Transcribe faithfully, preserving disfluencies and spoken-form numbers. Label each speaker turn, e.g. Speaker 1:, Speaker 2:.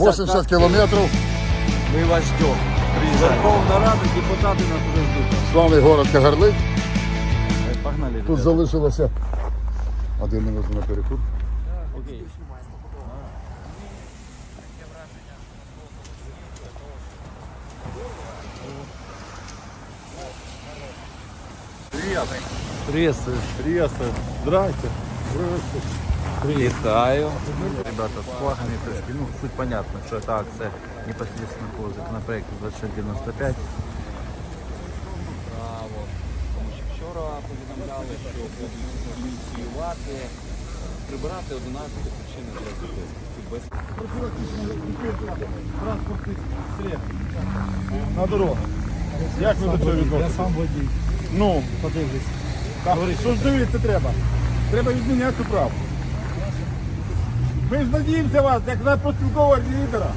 Speaker 1: восемьдесят километров.
Speaker 2: Мы вас ждем. Верховна Рада, депутати нас уже ждуть.
Speaker 1: Славний город Кагарлик.
Speaker 2: Погнали,
Speaker 1: Тут
Speaker 2: ребята.
Speaker 1: залишилося один минут на перекур.
Speaker 2: Окей.
Speaker 1: Привет.
Speaker 2: Приветствую.
Speaker 1: Приветствую. Здрасте.
Speaker 2: Вітаю. Ребята, с флагами пришли. Ну, суть понятна, что это акция непосредственно по законопроекту двадцять шість дев'яносто п'ять.
Speaker 3: Право. Тому що вчора повідомляли, що будуть ініціювати, прибирати одинадцять причин для зупинки. Без
Speaker 4: Транспортних средств на дорогу. Як ви до цього відноситесь? Я сам водій. Ну, подивлюсь. Що ж дивитися треба? Треба відміняти цю правду. Ми ж надіємося вас, як на профспілкового лідера.